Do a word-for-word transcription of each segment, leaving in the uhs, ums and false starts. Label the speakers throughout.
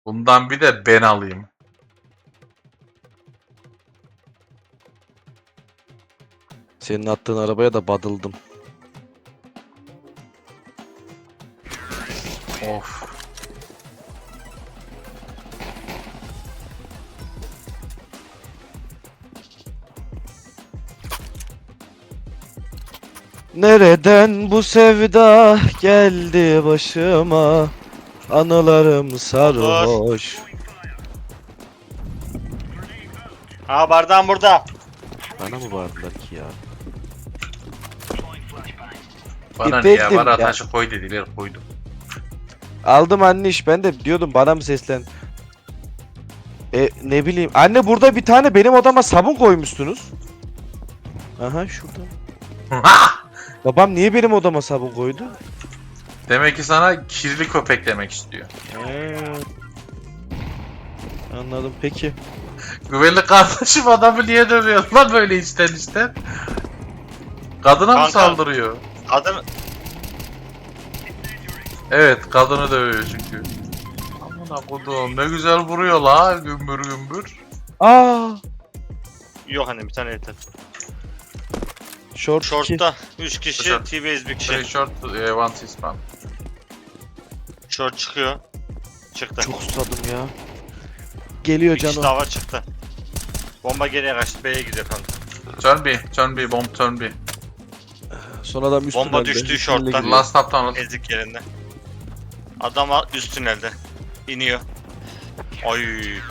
Speaker 1: Bundan bir de ben alayım.
Speaker 2: Senin attığın arabaya da badıldım.
Speaker 1: Of.
Speaker 2: Nereden bu sevda geldi başıma? Anılarım sarhoş.
Speaker 3: Ha bardağım burada.
Speaker 2: Bana mı bağırdılar ki ya?
Speaker 1: Bana ne ya?
Speaker 2: Efendim
Speaker 1: Bana
Speaker 2: ya.
Speaker 1: taşı koy dediler, koydum.
Speaker 2: Aldım anne iş. Ben de diyordum bana mı seslen? E ne bileyim. Anne burada bir tane benim odama sabun koymuşsunuz. Aha şurada. Babam niye benim odama sabun koydu?
Speaker 1: Demek ki sana kirli köpek demek istiyor.
Speaker 2: Ee, anladım peki.
Speaker 1: Güvenlik kardeşim adamı niye dövüyor lan böyle içten içten? Kadına mı
Speaker 3: Kanka.
Speaker 1: saldırıyor?
Speaker 3: Kadın
Speaker 1: Evet, kadını dövüyor çünkü. Amına kodum ne güzel vuruyor la gümbür gümbür.
Speaker 2: Aa,
Speaker 3: yok hani bir tane yeter.
Speaker 2: short iki.
Speaker 3: Short'ta üç kişi,
Speaker 1: Short.
Speaker 3: T-base bir kişi.
Speaker 1: Three short, eh, one C-span.
Speaker 3: Short çıkıyor. Çıktı.
Speaker 2: Çok susadım ya. Geliyor
Speaker 3: Bir kişi
Speaker 2: canım.
Speaker 3: daha var çıktı. Bomba geriye kaçtı. B'ye gidiyor kanka.
Speaker 1: Turn B, turn B, bomb turn B.
Speaker 2: Son adam üst
Speaker 3: Bomba
Speaker 2: tünelde.
Speaker 3: düştü
Speaker 2: Üst
Speaker 3: short'tan.
Speaker 2: tünele gidiyor.
Speaker 1: Last top tunnel.
Speaker 3: Ezik yerinde. Adam al- üst tünelde. İniyor. Ay.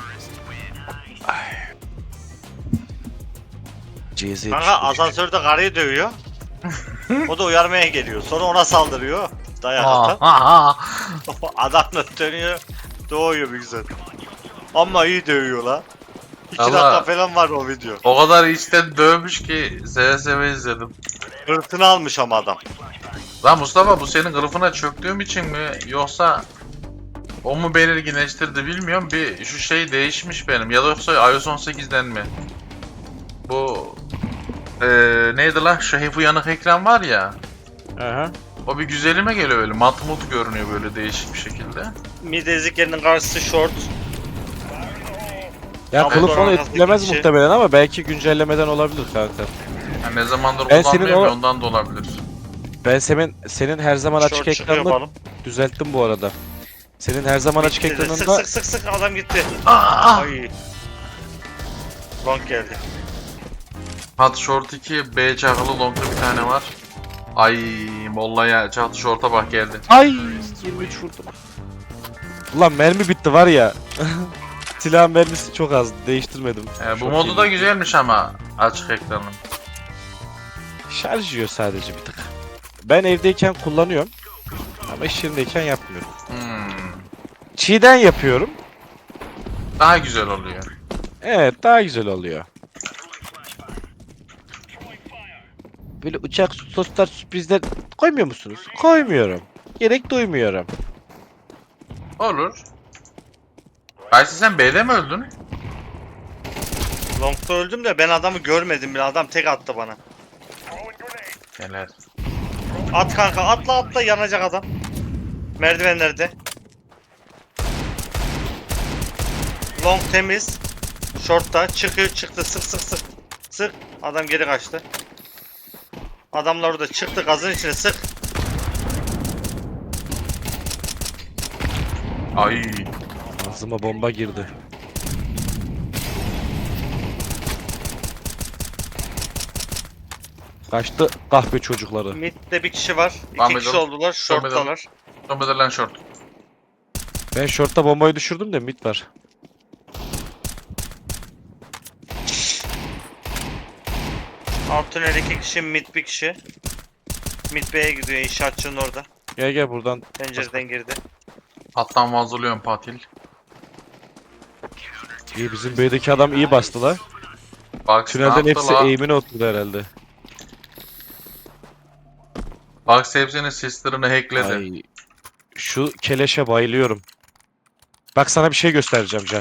Speaker 2: C Z
Speaker 3: Kanka asansörde karıyı dövüyor. O da uyarmaya geliyor. Sonra ona saldırıyor. Dayak
Speaker 1: Ha
Speaker 3: atan.
Speaker 1: ha ha.
Speaker 3: Adam da dönüyor. Doğuyor bir güzel. Ama iyi dövüyor la. İki
Speaker 1: Allah.
Speaker 3: dakika falan var o video.
Speaker 1: O kadar içten dövmüş ki seve seve izledim.
Speaker 3: Hırtını almış ama adam.
Speaker 1: Lan Mustafa bu senin kılıfına çöktüğüm için mi yoksa o mu belirginleştirdi bilmiyorum. Bir şu şey değişmiş benim ya da yoksa iOS on sekizden mi? Bu eee neydi lan şu hep uyanık ekran var ya.
Speaker 2: Aha.
Speaker 1: O bir güzelime geliyor öyle matmut görünüyor böyle değişik bir şekilde.
Speaker 3: Mid ezik yerinin karşısı short.
Speaker 2: Ya
Speaker 3: Ama
Speaker 2: kılıf
Speaker 3: sonra
Speaker 2: onu
Speaker 3: arkasındaki
Speaker 2: etkilemez
Speaker 3: kişi-
Speaker 2: muhtemelen ama belki güncellemeden olabilir kanka.
Speaker 1: Yani ne zamandır
Speaker 2: Ben senin
Speaker 1: kullanmıyorum ya
Speaker 2: o-
Speaker 1: ondan da olabilir.
Speaker 2: Ben senin senin her zaman açık
Speaker 3: Short çıkıyor
Speaker 2: ekranını
Speaker 3: balım.
Speaker 2: düzelttim bu arada. Senin her zaman açık
Speaker 3: Bitti de. Sık
Speaker 2: ekranında
Speaker 3: sık sık sık adam gitti.
Speaker 1: Aa!
Speaker 3: Ay. Long geldi.
Speaker 1: Hat short iki, B çakılı long'da bir tane var. Ay mollaya çatı short'a bak geldi.
Speaker 2: ay yirmi üç vurdum. Ulan mermi bitti var ya. Silah mermisi çok az. Değiştirmedim.
Speaker 1: Ee, bu
Speaker 2: Çok
Speaker 1: modu
Speaker 2: iyi.
Speaker 1: da güzelmiş ama açık ekranın.
Speaker 2: Şarj yiyor sadece bir tık. Ben evdeyken kullanıyorum. Ama iş yerindeyken yapmıyorum.
Speaker 1: Hmm.
Speaker 2: Çiğden yapıyorum.
Speaker 1: Daha güzel oluyor.
Speaker 2: Evet daha güzel oluyor. Böyle uçak soslar sürprizler koymuyor musunuz? Koymuyorum. Gerek duymuyorum.
Speaker 1: Olur. Ayşe sen B'de mi öldün?
Speaker 3: Long'da öldüm de ben adamı görmedim bile. Adam tek attı bana.
Speaker 1: Neler?
Speaker 3: At kanka atla atla yanacak adam. Merdivenlerde. Long temiz. Short'ta çıkıyor çıktı sık sık sık. Sık. Adam geri kaçtı. Adamlar orada çıktı gazın içine sık.
Speaker 1: Ay.
Speaker 2: Ağzıma bomba girdi. Kaçtı kahve çocukları.
Speaker 3: Mid'de bir kişi var. İki
Speaker 1: One
Speaker 3: kişi
Speaker 1: middle.
Speaker 3: oldular. Short'talar.
Speaker 1: Son bedelen short.
Speaker 2: Ben shortta bombayı düşürdüm de mid var.
Speaker 3: Alt tünel iki kişi, mid bir kişi. Mid B'ye gidiyor inşaatçının orada.
Speaker 2: Gel gel buradan.
Speaker 3: Pencereden girdi.
Speaker 1: Alttan vazoluyorum Patil.
Speaker 2: İyi bizim B'deki adam iyi bastı la.
Speaker 1: Bak
Speaker 2: Tünelden hepsi
Speaker 1: la.
Speaker 2: eğimine oturdu herhalde.
Speaker 1: Bak hepsinin sister'ını hackledi.
Speaker 2: Ay. Şu keleşe bayılıyorum. Bak sana bir şey göstereceğim Can.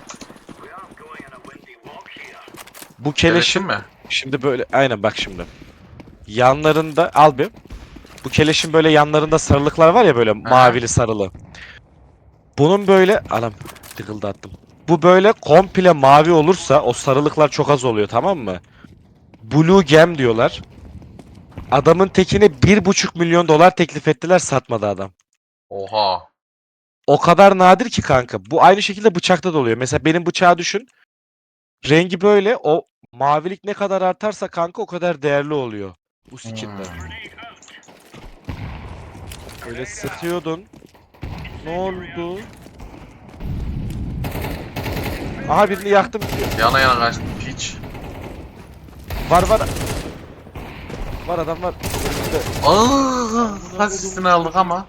Speaker 2: Bu
Speaker 1: Keleşin
Speaker 2: keleşin
Speaker 1: mi?
Speaker 2: şimdi böyle aynen bak şimdi. Yanlarında al bir. Bu keleşin böyle yanlarında sarılıklar var ya böyle mavili sarılı. Bunun böyle anam tıkıldattım. Bu böyle komple mavi olursa o sarılıklar çok az oluyor, tamam mı? Blue Gem diyorlar. Adamın tekine bir buçuk milyon dolar teklif ettiler, satmadı adam.
Speaker 1: Oha.
Speaker 2: O kadar nadir ki kanka. Bu aynı şekilde bıçakta da oluyor. Mesela benim bıçağı düşün. Rengi böyle, o mavilik ne kadar artarsa kanka o kadar değerli oluyor. Bu skinler.
Speaker 1: Hmm.
Speaker 2: Öyle sıkıyordun. Ne oldu? Aha birini yaktım.
Speaker 1: Yana yana kaçtım piç.
Speaker 2: Var var. Var adam var. Önümüzde.
Speaker 1: Aaa. Asistini aldık ama.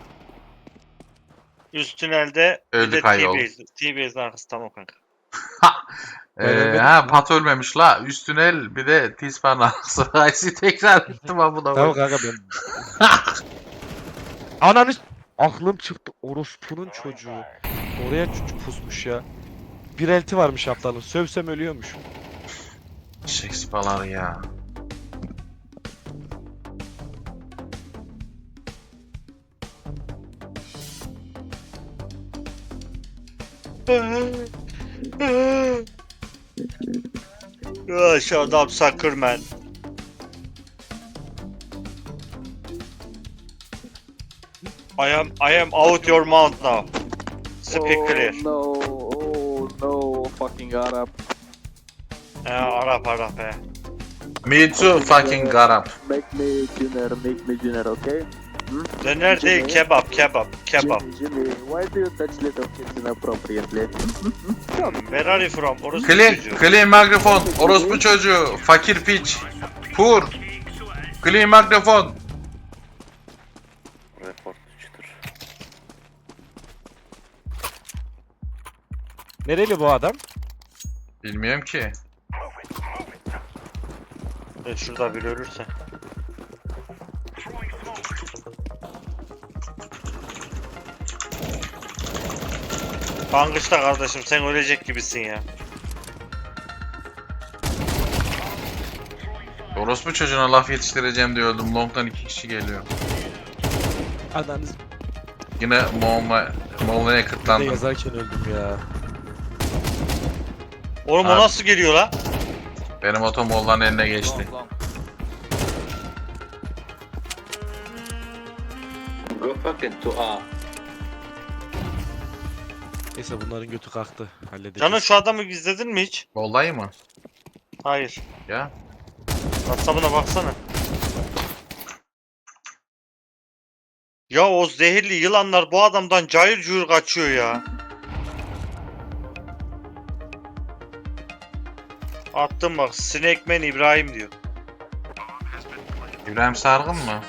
Speaker 3: Üst tünelde bir
Speaker 1: Öldük
Speaker 3: de
Speaker 1: ayol.
Speaker 3: T-Base. T-Base'in arkası tamam kanka.
Speaker 2: Ben
Speaker 1: Ee,
Speaker 2: ölmedim
Speaker 1: ha
Speaker 2: mi?
Speaker 1: Pat ölmemiş la. Üstün el bir de T-Spawn arası. Aysi tekrar ettim ha bu da.
Speaker 2: Tamam kanka ben. Ananı s- aklım çıktı. Orospunun çocuğu. Oraya çocuk pusmuş ya. Bir elti varmış aptalın. Sövsem ölüyormuş.
Speaker 1: Shakespeare'lar ya.
Speaker 3: Ya şu adam Suckerman. I am I am out your mouth now. Speak clear.
Speaker 4: Oh no, oh no, fucking Arab.
Speaker 3: Ya Arap Arap he.
Speaker 1: Me too fucking garap.
Speaker 4: Make me dinner, make me dinner, okay? Hmm?
Speaker 3: Döner değil kebap kebap kebap.
Speaker 4: Jimmy, Jimmy, why do you touch little kids inappropriately? Come.
Speaker 3: Where are you from? Orası
Speaker 1: Clean,
Speaker 3: çocuğu.
Speaker 1: clean mikrofon. Orospu çocuğu. Fakir piç. Pur. Clean mikrofon.
Speaker 3: Report çıtır.
Speaker 2: Nereli bu adam?
Speaker 1: Bilmiyorum ki.
Speaker 3: E şurada biri ölürse. Bangıçta kardeşim sen ölecek gibisin ya.
Speaker 1: Orospu çocuğuna laf yetiştireceğim diye öldüm. Long'dan iki kişi geliyor.
Speaker 2: Ananız.
Speaker 1: Yine Moğol'a Moğol'a
Speaker 2: Ne
Speaker 1: kırtlandım.
Speaker 2: yazarken öldüm ya.
Speaker 3: Oğlum o
Speaker 1: Abi.
Speaker 3: nasıl geliyor la?
Speaker 1: Benim oto Moğol'ların eline geçti.
Speaker 5: Go fucking to A.
Speaker 2: Neyse bunların götü kalktı. Halledeceğiz.
Speaker 3: Canım şu adamı izledin mi hiç?
Speaker 1: Vallahi mı?
Speaker 3: Hayır.
Speaker 1: Ya.
Speaker 3: WhatsApp'ına baksana. Ya o zehirli yılanlar bu adamdan cayır cuyur kaçıyor ya. Attım bak Snake Man İbrahim diyor.
Speaker 1: İbrahim Sargın mı?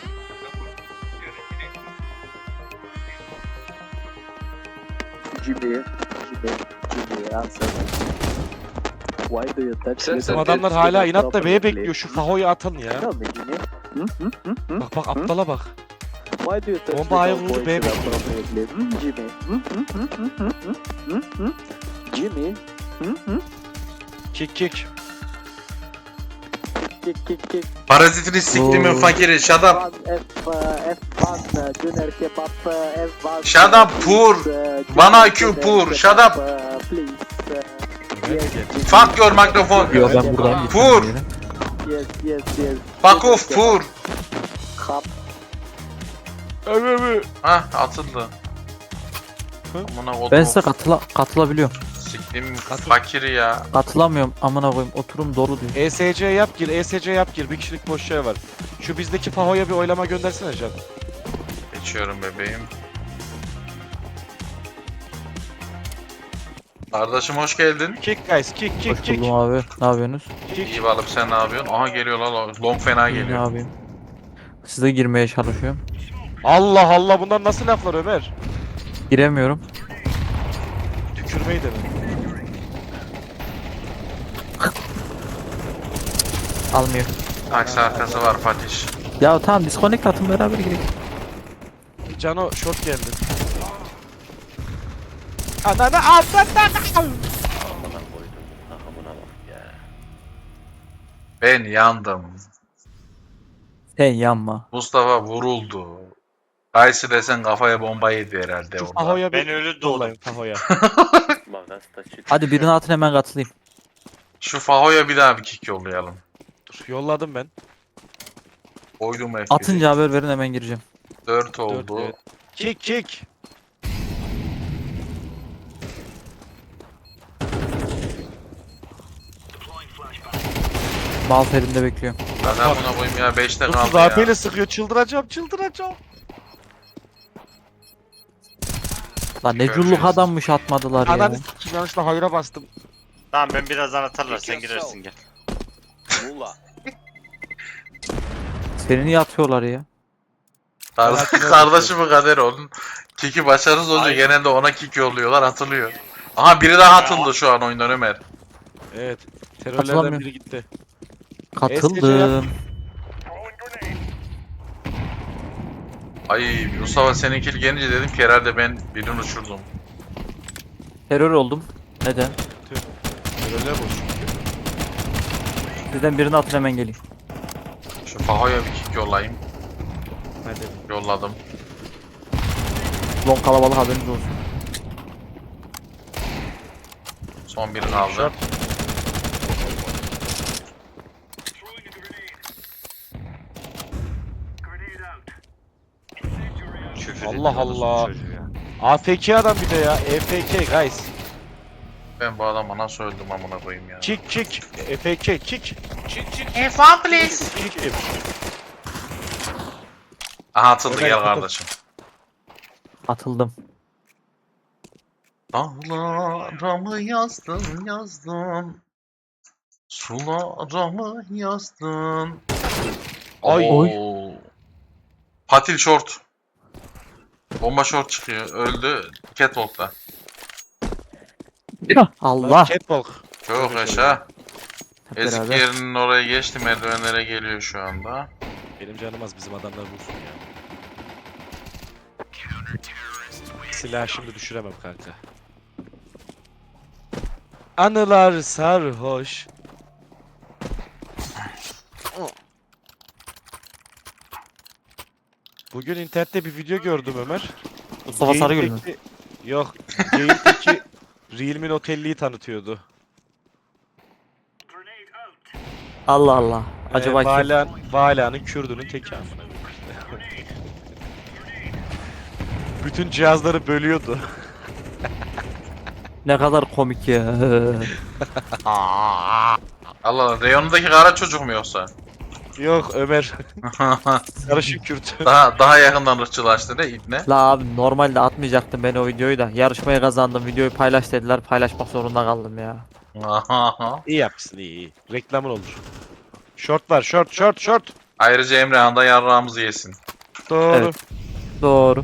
Speaker 4: Jimmy, Jimmy, Jimmy, answer. Why do you touch
Speaker 5: Sen-
Speaker 4: little
Speaker 2: Bizim
Speaker 5: sen-
Speaker 2: adamlar
Speaker 4: kids
Speaker 2: hala inatla B'ye
Speaker 4: inappropriately?
Speaker 2: bekliyor. Şu Faho'yu atın ya.
Speaker 4: Tell me, Jimmy. Hmm, hmm, hmm, hmm?
Speaker 2: Bak bak aptala bak.
Speaker 4: Why do you touch
Speaker 2: Bomba ayağı
Speaker 4: little
Speaker 2: vurdu,
Speaker 4: boys
Speaker 2: B'ye bekliyor.
Speaker 4: inappropriately? Hmm, Jimmy. Hmm, hmm, hmm, hmm, hmm, hmm, hmm, hmm? Jimmy. Hmm, hmm?
Speaker 2: Kick kick.
Speaker 4: Kick, kick, kick.
Speaker 1: Parazitini siktimin fakiri. Shut up.
Speaker 4: F one, F, uh, F one, uh, döner kebap, uh, F one.
Speaker 1: Shut up, poor.
Speaker 4: uh,
Speaker 1: Bana
Speaker 4: döner
Speaker 1: Q, poor.
Speaker 4: kebap,
Speaker 1: Shut up.
Speaker 4: uh, please, uh, yes, Jimmy.
Speaker 1: Fuck your microphone.
Speaker 6: Yo ben buradan gittim.
Speaker 1: Pur.
Speaker 6: yine.
Speaker 4: Yes, yes, yes.
Speaker 1: Fuck off pur.
Speaker 4: Kap.
Speaker 2: Öv öv.
Speaker 1: Hah atıldı.
Speaker 2: Hı?
Speaker 1: Amına kodum.
Speaker 6: Ben size katıla katılabiliyorum.
Speaker 1: Siktim
Speaker 2: Katıl.
Speaker 1: fakiri ya.
Speaker 6: Katılamıyorum amına koyayım. Oturum dolu diyor.
Speaker 2: E S C yap gir, E S C yap gir. Bir kişilik boş yer var. Şu bizdeki Faho'ya bir oylama göndersene Can.
Speaker 1: Geçiyorum bebeğim. Kardeşim hoş geldin.
Speaker 2: Kick guys, kick kick
Speaker 6: Hoş
Speaker 2: kick.
Speaker 6: buldum abi. Ne yapıyorsunuz?
Speaker 2: Kick.
Speaker 1: İyi balıp sen ne yapıyorsun? Aha geliyor lan long fena
Speaker 6: İyi, ne
Speaker 1: geliyor.
Speaker 6: yapayım? Size girmeye çalışıyorum.
Speaker 2: Allah Allah, bunlar nasıl laflar Ömer?
Speaker 6: Giremiyorum.
Speaker 2: Tükürmeyi de mi?
Speaker 6: Almıyor.
Speaker 1: Taksi arkası var Patiş.
Speaker 6: Ya tamam disconnect atın beraber girelim.
Speaker 2: Cano short geldi. Ananı avradan.
Speaker 1: Ben yandım.
Speaker 6: Sen yanma.
Speaker 1: Mustafa vuruldu. Kaysı desen kafaya bomba yedi herhalde
Speaker 2: Şu
Speaker 1: orada.
Speaker 2: Faho'ya
Speaker 3: Ben
Speaker 2: bir
Speaker 3: ölü doğdum.
Speaker 2: yollayın Faho'ya.
Speaker 5: Let's touch it.
Speaker 6: Hadi birine atın hemen katılayım.
Speaker 1: Şu Faho'ya bir daha bir kick yollayalım.
Speaker 2: Dur, yolladım ben.
Speaker 1: Koydum F
Speaker 6: Atınca haber verin hemen gireceğim.
Speaker 1: dört
Speaker 2: Dört,
Speaker 1: oldu.
Speaker 2: evet. Kick kick.
Speaker 6: Mouse elimde bekliyorum.
Speaker 1: Ben buna koyayım ya beşte
Speaker 2: dokuz
Speaker 1: kaldı
Speaker 2: A P
Speaker 1: ya.
Speaker 2: ile sıkıyor. Çıldıracağım çıldıracağım.
Speaker 6: Lan ne
Speaker 1: Göreceğiz.
Speaker 6: culluk adammış atmadılar ya.
Speaker 2: Ananı s**eyim, yanlışlıkla hayra bastım.
Speaker 3: Tamam ben birazdan atarlar sen girersin gel.
Speaker 5: Mula.
Speaker 6: Seni niye atıyorlar ya?
Speaker 1: Kardeş, kardeşi bu kader onun. Kick'i başarısız olunca
Speaker 3: Ay.
Speaker 1: genelde ona kick yolluyorlar atılıyor. Aha biri daha atıldı şu an oyundan Ömer.
Speaker 2: Evet. Terörlerden
Speaker 6: Katılamıyorum.
Speaker 2: biri gitti.
Speaker 6: Katıldım.
Speaker 1: Ay Mustafa seninkili gelince dedim ki herhalde ben birini uçurdum.
Speaker 6: Terör oldum. Neden?
Speaker 2: Terörler boş.
Speaker 6: Sizden birini atın hemen geleyim.
Speaker 1: Şu Faho'ya bir kick yollayayım.
Speaker 2: Hadi.
Speaker 1: Yolladım.
Speaker 6: Long kalabalık haberiniz olsun.
Speaker 1: Son biri kaldı.
Speaker 2: Short.
Speaker 3: Küfür
Speaker 2: Allah
Speaker 3: ediyorsunuz bu
Speaker 2: Allah.
Speaker 3: çocuğu ya.
Speaker 2: A F K adam bir de ya. E F K guys.
Speaker 1: Ben bu adama nasıl öldüm amına koyayım ya.
Speaker 2: Kick kick. E F K kick.
Speaker 1: F1 please.
Speaker 2: Kick.
Speaker 1: Aha atıldı
Speaker 2: Ömer,
Speaker 1: gel
Speaker 2: atıl.
Speaker 1: kardeşim.
Speaker 6: Atıldım.
Speaker 1: Dağlara mı yazdın yazdın. Sulara mı yazdın.
Speaker 2: Ay.
Speaker 1: Oo. Patil short. Bomba short çıkıyor. Öldü. Catwalk'ta.
Speaker 6: Allah.
Speaker 2: Catwalk.
Speaker 1: Çok yaşa.
Speaker 6: Hep
Speaker 1: Ezik
Speaker 6: beraber.
Speaker 1: yerinin oraya geçti. Merdivenlere geliyor şu anda.
Speaker 2: Benim canım az, bizim adamlar vursun ya. Silah şimdi düşüremem kanka. Anılar sarhoş. Bugün internette bir video gördüm Ömer.
Speaker 6: Mustafa Sarıgül mü?
Speaker 2: Yayındaki- Yok. Yayındaki Realme Note elliyi tanıtıyordu.
Speaker 6: Allah Allah. Acaba
Speaker 2: ee,
Speaker 6: kim?
Speaker 2: Vala, Vala'nın Kürdünün teki amına koyayım. Bütün cihazları bölüyordu.
Speaker 6: Ne kadar komik ya.
Speaker 1: Allah Allah. Reyonundaki kara çocuk mu yoksa?
Speaker 2: Yok Ömer. Karışık Kürt.
Speaker 1: daha daha yakından ırkçılaştı ne ibne?
Speaker 6: La abi normalde atmayacaktım ben o videoyu da. Yarışmayı kazandım. Videoyu paylaş dediler. Paylaşmak zorunda kaldım ya.
Speaker 2: İyi yapmışsın, iyi iyi. Reklamın olur. Short var, short, short, short.
Speaker 1: Ayrıca Emrehan da yarrağımızı yesin.
Speaker 2: Doğru.
Speaker 6: Evet. Doğru.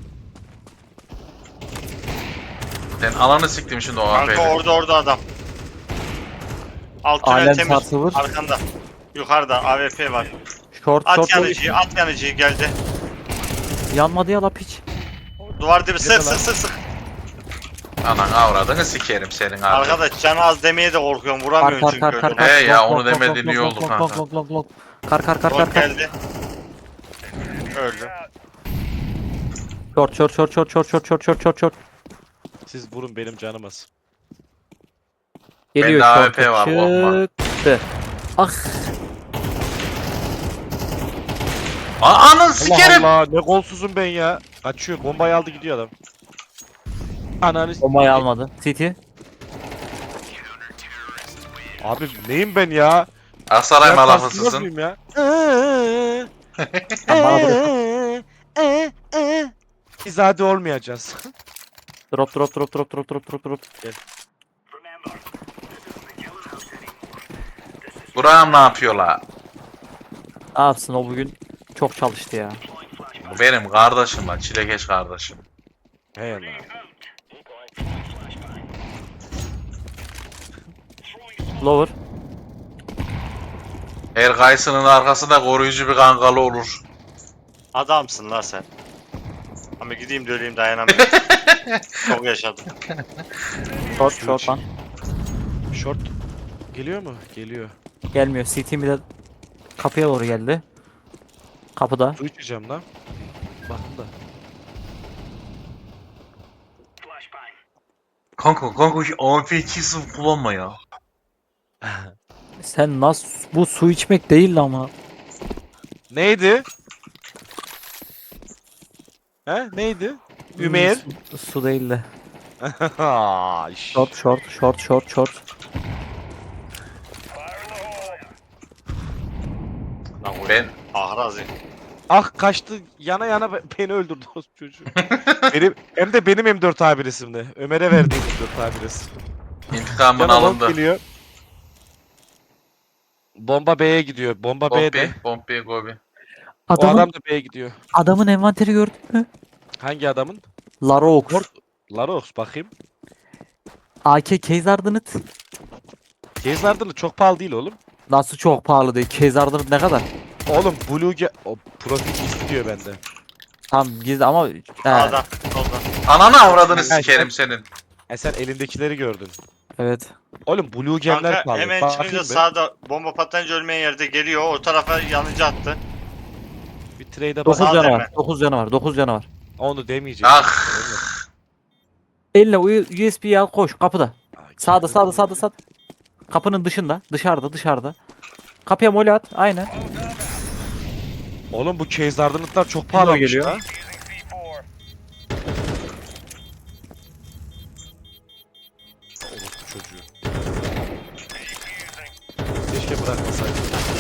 Speaker 1: Sen alanı siktim şimdi o A
Speaker 3: Kanka
Speaker 1: F'yle.
Speaker 3: orada orada adam. Alt tünel
Speaker 6: Alem
Speaker 3: temiz.
Speaker 6: sarsılır.
Speaker 3: Arkanda. Yukarıda A W P var.
Speaker 6: Short
Speaker 3: At
Speaker 6: short.
Speaker 3: yanıcıyı, at yanıcıyı geldi.
Speaker 6: Yanmadı ya la piç.
Speaker 3: Duvar dibi sık
Speaker 2: lan?
Speaker 3: sık sık sık.
Speaker 1: Anan avradını sikerim senin abi.
Speaker 3: Arkadaş canı az demeye de korkuyorum.
Speaker 6: Kar
Speaker 3: Vuramıyorum
Speaker 6: kar
Speaker 3: çünkü
Speaker 6: kar kar
Speaker 3: öyle.
Speaker 6: kar.
Speaker 1: He ya,
Speaker 6: Long,
Speaker 1: onu
Speaker 6: long,
Speaker 1: demediğin
Speaker 6: long,
Speaker 1: iyi
Speaker 6: long,
Speaker 1: oldu
Speaker 6: long,
Speaker 1: kanka.
Speaker 6: long, long, long. Kar kar kar
Speaker 3: Long
Speaker 6: kar kar.
Speaker 3: geldi. Öldü.
Speaker 6: Short short short short short short short short short short.
Speaker 2: Siz vurun, benim canım az.
Speaker 6: Geliyor
Speaker 1: Bende A W
Speaker 6: short.
Speaker 1: P var, korkma.
Speaker 6: Çıktı. Ah.
Speaker 1: Aa, anın
Speaker 2: Allah
Speaker 1: sikerim.
Speaker 2: Allah, ne golsuzum ben ya. Kaçıyor, bombayı aldı gidiyor adam. Ananı s-
Speaker 6: Bombayı almadı. City.
Speaker 2: Abi neyim ben ya?
Speaker 1: Aksaray
Speaker 2: Ben
Speaker 1: malafısısın.
Speaker 2: kasılmaz mıyım ya?
Speaker 6: Bana bırak.
Speaker 2: Biz hadi olmayacağız.
Speaker 6: Drop drop drop drop drop drop drop drop.
Speaker 1: Burak'ım ne yapıyor la?
Speaker 6: Ne yapsın o bugün çok çalıştı ya.
Speaker 1: Bu benim kardeşim lan. Çilekeş kardeşim.
Speaker 2: Hey Allah.
Speaker 6: Lower.
Speaker 1: Her kayısının arkasında koruyucu bir kangalı olur.
Speaker 3: Adamsın la sen. Ama gideyim de öleyim dayanamıyorum. Çok yaşadım.
Speaker 6: Short short lan.
Speaker 2: Short geliyor mu? Geliyor.
Speaker 6: Gelmiyor. City bir de kapıya doğru geldi. Kapıda.
Speaker 2: Su içeceğim lan. Bakın da.
Speaker 1: Kanka kanka şu A F iki sıfır kullanma ya.
Speaker 6: Sen nasıl bu su içmek değil ama.
Speaker 2: Neydi? He neydi? Ümer.
Speaker 6: Su, su değil de.
Speaker 2: Şş.
Speaker 6: Short short short short short.
Speaker 3: Lan o
Speaker 1: Ben
Speaker 3: ahrazi.
Speaker 2: Ah kaçtı yana yana be- beni öldürdü o çocuğu. benim, hem de benim M dört A bir resimde. Ömer'e verdiğim M dört A bir resim.
Speaker 1: intikamın
Speaker 2: Yana long
Speaker 1: alındı.
Speaker 2: geliyor. Bomba B'ye gidiyor. Bomba B'de.
Speaker 1: Bombi, Bombi, Gobi.
Speaker 2: O
Speaker 6: Adamın
Speaker 2: adam da B'ye gidiyor.
Speaker 6: adamın envanteri gördün mü?
Speaker 2: Hangi adamın?
Speaker 6: Larox.
Speaker 2: Lord- Larox bakayım.
Speaker 6: A K Case Ardent.
Speaker 2: Case Ardent'ı çok pahalı değil oğlum.
Speaker 6: Nasıl çok pahalı değil. Case Ardent ne kadar?
Speaker 2: Oğlum Blue Ge- o profil istiyor bende.
Speaker 6: Tam gizli ama he,
Speaker 3: Adam. Solda.
Speaker 1: Ananı avradını
Speaker 2: Ha,
Speaker 1: sikerim
Speaker 2: sen-
Speaker 1: senin.
Speaker 2: E sen elindekileri gördün.
Speaker 6: evet.
Speaker 2: Oğlum Blue Gem'ler
Speaker 3: Kanka
Speaker 2: pahalı.
Speaker 3: hemen
Speaker 2: Bakayım
Speaker 3: çıkınca
Speaker 2: bir.
Speaker 3: sağda bomba patlayınca ölmeyen yerde geliyor. O tarafa yanıcı attı.
Speaker 2: Bir trade'e
Speaker 6: dokuz
Speaker 2: bak.
Speaker 3: Sağ
Speaker 6: canı
Speaker 3: deme.
Speaker 6: var. dokuz canı var. dokuz canı var.
Speaker 2: Onu demeyecek.
Speaker 1: Ah.
Speaker 6: Elle U S B'yi al koş kapıda.
Speaker 2: Ay,
Speaker 6: Sağda
Speaker 2: kendi-
Speaker 6: sağda sağda sağda. Kapının dışında. Dışarıda dışarıda. Kapıya mole at. Aynen.
Speaker 2: Oğlum bu Case Ardent'lar çok pahalı
Speaker 6: geliyor.
Speaker 2: ha. Orospu çocuğu. Keşke bırakmasaydım.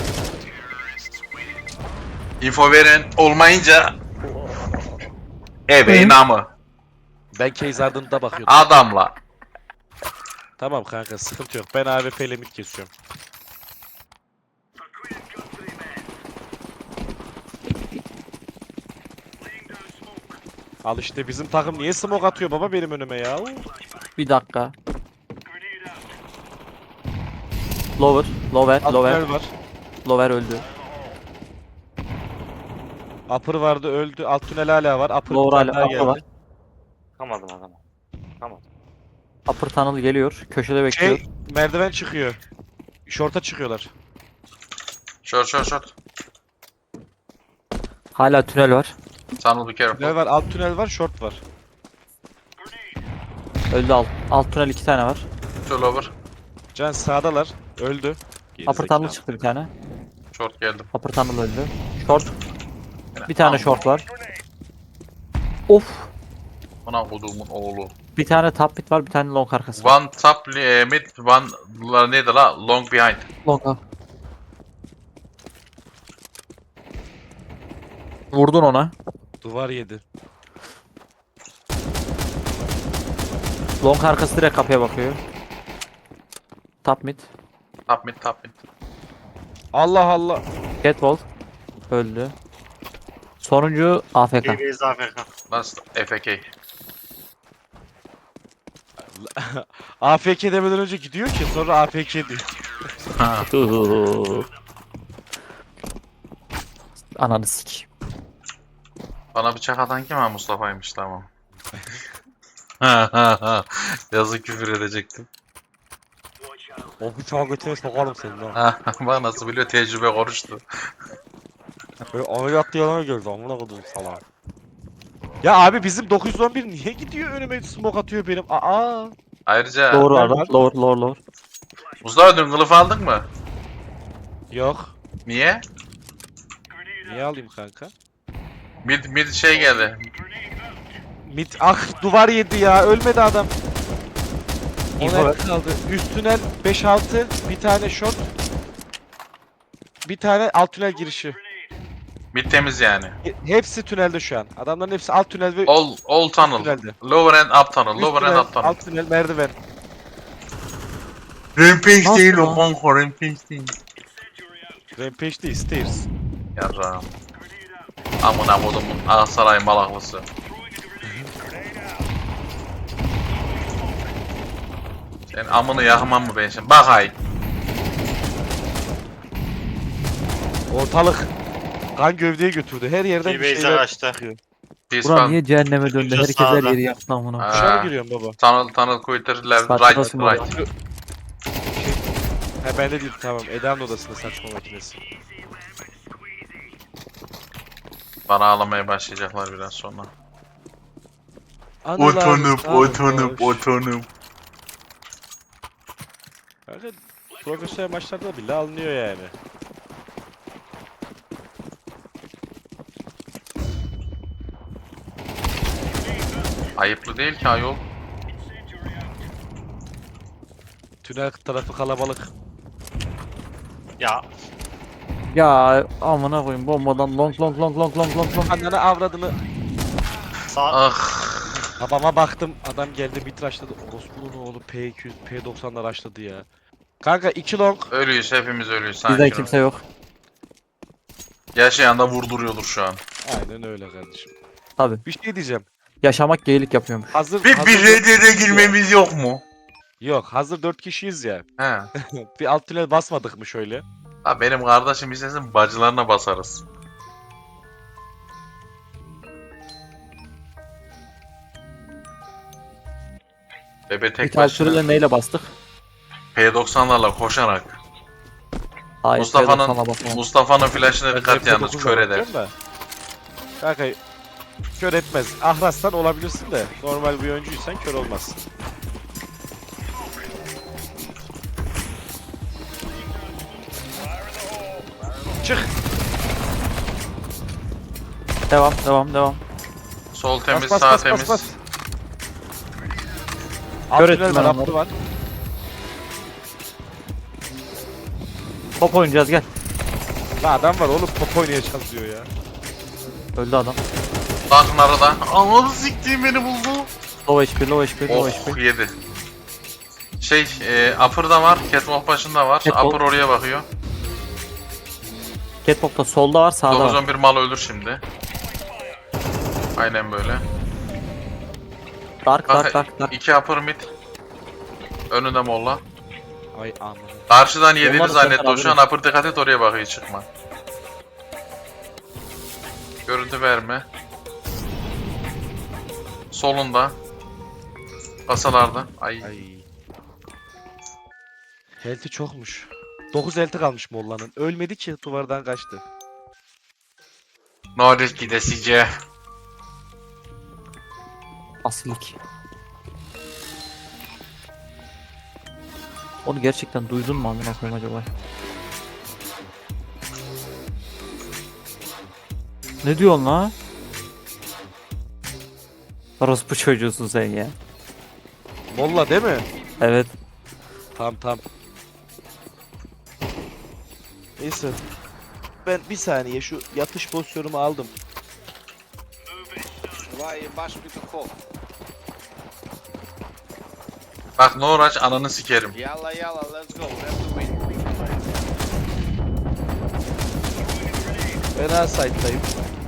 Speaker 1: Info veren olmayınca ebeğin amı.
Speaker 2: Ben Case Ardent'a bakıyordum.
Speaker 1: Adamla.
Speaker 2: Tamam kanka sıkıntı yok. Ben A W P ile mid kesiyorum. Al işte bizim takım niye smoke atıyor baba benim önüme ya?
Speaker 6: Bir dakika. Lower. Lower. Lower.
Speaker 2: Upper var.
Speaker 6: Lower öldü.
Speaker 2: Upper vardı öldü. Alt tünel hala var. Upper
Speaker 6: Lower
Speaker 2: bir tane
Speaker 6: hala.
Speaker 2: daha
Speaker 6: Upper
Speaker 2: geldi.
Speaker 6: var.
Speaker 3: Kamadım adamı. Kamadım.
Speaker 6: Upper tunnel geliyor. Köşede bekliyor.
Speaker 2: Şey merdiven çıkıyor. Short'a çıkıyorlar.
Speaker 1: Short short short.
Speaker 6: Hala tünel var.
Speaker 1: Tunnel be
Speaker 2: Tünel
Speaker 1: careful.
Speaker 2: var, alt tünel var, short var.
Speaker 6: Öldü alt. Alt tünel iki tane var.
Speaker 1: Two lower.
Speaker 2: Can sağdalar. Öldü.
Speaker 6: Upper tunnel çıktı bir tane.
Speaker 1: Short geldim.
Speaker 6: Upper tunnel öldü. Short. Bir tane short var. Of.
Speaker 1: Bana koduğumun oğlu.
Speaker 6: Bir tane top mid var, bir tane long arkası var.
Speaker 1: One top eh, mid, one la neydi la? Long behind.
Speaker 6: Long up. Vurdun ona.
Speaker 2: Duvar yedi.
Speaker 6: Long arkası direkt kapıya bakıyor. Top mid.
Speaker 1: Top mid, top mid.
Speaker 2: Allah Allah.
Speaker 6: Catwall. Öldü. Sonuncu A F K.
Speaker 3: T V Afrika.
Speaker 1: Last F K.
Speaker 2: A F K demeden önce gidiyor ki sonra A F K diyor.
Speaker 6: Ananı sik.
Speaker 1: Bana bıçak atan kim ha? Mustafa'ymış tamam. Yazık küfür edecektim.
Speaker 2: O bıçağı götüne sokarım senin ha.
Speaker 1: Bak nasıl biliyor tecrübe konuştu.
Speaker 2: Böyle ameliyat yalan gördü amına kodum salak. Ya abi bizim dokuz yüz on bir niye gidiyor önüme smoke atıyor benim? Aa.
Speaker 1: Ayrıca
Speaker 6: Lower
Speaker 2: ben
Speaker 6: var.
Speaker 2: var.
Speaker 6: Lower lower lower.
Speaker 1: Mustafa dün kılıf aldın mı?
Speaker 2: Yok.
Speaker 1: Niye?
Speaker 2: Niye alayım kanka?
Speaker 1: Mid mid şey geldi.
Speaker 2: Mid ah duvar yedi ya ölmedi adam.
Speaker 6: İnfo
Speaker 2: Ona
Speaker 6: ver.
Speaker 2: kaldı. Üst tünel beş altı bir tane short. Bir tane alt tünel girişi.
Speaker 1: Mid temiz yani.
Speaker 2: He- Hepsi tünelde şu an. Adamların hepsi alt tünel ve
Speaker 1: All all tunnel.
Speaker 2: tünelde.
Speaker 1: Lower and up tunnel.
Speaker 2: Üst
Speaker 1: Lower
Speaker 2: tünel,
Speaker 1: and up tunnel.
Speaker 2: alt tünel merdiven.
Speaker 1: Rampage
Speaker 6: Nasıl
Speaker 1: değil
Speaker 6: lan?
Speaker 1: o kanka rampage değil.
Speaker 2: Rampage değil stairs.
Speaker 1: Yarrağım. Amına kodumun Aksaray malaklısı. Sen amını yakmam mı ben şimdi? Bak hay.
Speaker 2: Ortalık kan gövdeye götürdü. Her yerden bir
Speaker 3: T-Base'e
Speaker 2: şeyler
Speaker 3: kaçtı.
Speaker 2: çıkıyor.
Speaker 1: Peace
Speaker 6: Buran
Speaker 1: fan.
Speaker 6: niye cehenneme döndü?
Speaker 3: Ucu
Speaker 6: Herkes her
Speaker 3: sağda.
Speaker 6: yeri yaktı amına.
Speaker 1: Ha.
Speaker 2: Dışarı giriyorum baba.
Speaker 1: Tunnel tunnel quitter left
Speaker 6: Saçma
Speaker 1: right
Speaker 6: sapan
Speaker 1: right.
Speaker 2: Ha bende değil tamam. Eda'nın odasında saçma makinesi.
Speaker 1: Bana ağlamaya başlayacaklar biraz sonra.
Speaker 2: Anılar
Speaker 1: Otonup
Speaker 2: sarhoş.
Speaker 1: otonup otonup.
Speaker 2: Kanka profesyonel maçlarda bile alınıyor yani.
Speaker 1: Ayıplı değil ki ayol.
Speaker 2: Tünel tarafı kalabalık.
Speaker 3: Ya
Speaker 6: Ya amına koyayım bombadan long long long long long long long.
Speaker 2: Annene avradını.
Speaker 3: sağ
Speaker 1: Ah.
Speaker 2: Babama baktım adam geldi bir tıraşladı. Orospu'nun oğlu P iki yüz P doksanlar açladı ya. Kanka iki long.
Speaker 1: Ölüyüz, hepimiz ölüyüz. Sakin
Speaker 6: Bizden
Speaker 1: ol.
Speaker 6: kimse yok.
Speaker 1: Yaşayan da vurduruyordur şu an.
Speaker 2: Aynen öyle kardeşim.
Speaker 6: Tabi.
Speaker 2: Bir şey diyeceğim.
Speaker 6: Yaşamak geylik yapıyormuş.
Speaker 2: Hazır
Speaker 1: Bir
Speaker 2: hazır
Speaker 1: bir
Speaker 2: dört-
Speaker 1: R D R girmemiz yok mu?
Speaker 2: Yok hazır dört kişiyiz ya.
Speaker 1: He.
Speaker 2: Bir alt tünel basmadık mı şöyle?
Speaker 1: Ha benim kardeşim istesin bacılarına basarız. Bebe tek
Speaker 6: İthal
Speaker 1: başına
Speaker 6: sürüyle neyle bastık?
Speaker 1: P doksanlarla koşarak.
Speaker 6: Hayır,
Speaker 1: Mustafa'nın
Speaker 6: sana basmam.
Speaker 1: Mustafa'nın flash'ına dikkat
Speaker 2: Ben
Speaker 1: yalnız
Speaker 2: F
Speaker 1: kör
Speaker 2: dokuzla
Speaker 1: eder.
Speaker 2: bakıyorum da. Kanka kör etmez. Ahrastan olabilirsin de normal bir oyuncuysan kör olmazsın. Çık.
Speaker 6: Devam devam devam.
Speaker 1: Sol temiz,
Speaker 2: Bas, bas,
Speaker 1: sağ
Speaker 2: bas,
Speaker 1: temiz.
Speaker 2: bas, bas. Alt
Speaker 6: Kör
Speaker 2: tünel
Speaker 6: ettim
Speaker 2: var,
Speaker 6: ben
Speaker 2: altı
Speaker 6: onları.
Speaker 2: var.
Speaker 6: Top oynayacağız gel.
Speaker 2: La adam var oğlum top oynayacağız diyor ya.
Speaker 6: Öldü adam.
Speaker 1: Bakın arada. Ananı siktiğim beni buldu.
Speaker 6: Low H P low H P low H
Speaker 1: Oh
Speaker 6: P.
Speaker 1: yedi. Şey, e, upper'da var, catwalk başında var.
Speaker 6: Catwalk.
Speaker 1: Upper oraya bakıyor.
Speaker 6: Catwalk'ta solda var sağda
Speaker 1: dokuz
Speaker 6: var.
Speaker 1: on bir mal ölür şimdi. Aynen böyle.
Speaker 6: Dark
Speaker 1: Kanka
Speaker 6: dark dark dark.
Speaker 1: iki upper mid. Önünde molla.
Speaker 2: Ay aman.
Speaker 1: Karşıdan yediğini
Speaker 6: Onlar da
Speaker 1: zannetti o
Speaker 6: senden
Speaker 1: şu an upper dikkat et oraya bakıyor çıkma. Görüntü verme. Solunda. Kasalarda. Ay.
Speaker 2: Ay. Health'i çokmuş. dokuz health'i kalmış Molla'nın. Ölmedi ki duvardan kaçtı.
Speaker 1: No risk gidesice.
Speaker 6: Asilik. Onu gerçekten duydun mu amına koyayım acaba? Ne diyorsun la? Orospu çocuğusun sen ya.
Speaker 2: Molla değil mi?
Speaker 6: Evet.
Speaker 2: Tamam tamam. Neyse. Ben bir saniye şu yatış pozisyonumu aldım.
Speaker 1: Bak no rush ananı sikerim.
Speaker 7: Yalla yalla, let's go. Let's win.
Speaker 2: Ben A site'dayım.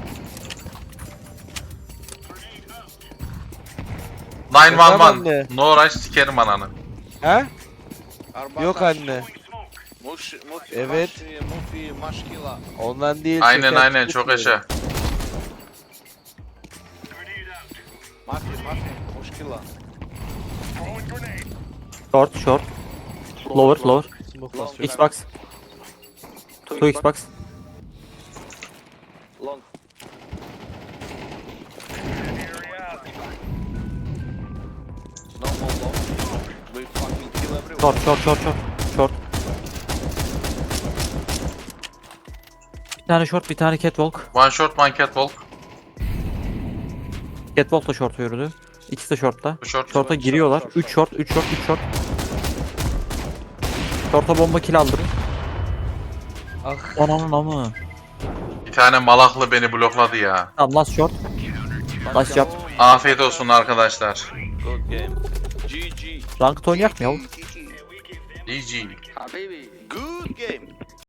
Speaker 1: nine one
Speaker 2: Tamam
Speaker 1: one.
Speaker 2: anne.
Speaker 1: No rush sikerim ananı.
Speaker 2: He?
Speaker 7: Arbatas.
Speaker 2: Yok anne.
Speaker 7: Muş, mufi,
Speaker 2: Evet.
Speaker 7: Maş, mufi, maşkila.
Speaker 2: Ondan değil.
Speaker 1: Aynen
Speaker 2: şeker
Speaker 1: aynen çok
Speaker 2: tüketmiyorum.
Speaker 1: yaşa.
Speaker 7: Mafi, mafi, muşkila.
Speaker 6: Short short. Lower lower.
Speaker 2: Smoke basıyorum.
Speaker 6: Xbox. Two Xbox.
Speaker 7: Long. No more long. We fucking kill everyone.
Speaker 6: Short short short short. Short. Bir tane short bir tane catwalk.
Speaker 1: One shot one catwalk.
Speaker 6: Catwalk da short yürüdü. İkisi de shortta.
Speaker 1: Bu short.
Speaker 6: Short'a giriyorlar. üç short, üç short, üç short. Short'a bomba kill aldırır.
Speaker 2: Ah.
Speaker 6: Ananın amı.
Speaker 1: Bir tane malaklı beni blokladı ya.
Speaker 6: Tamam last short. Last job.
Speaker 1: Afiyet olsun arkadaşlar.
Speaker 7: Good game. G G.
Speaker 6: Ranked oynayak mı ya?
Speaker 1: G G.
Speaker 7: Habibi. Good game.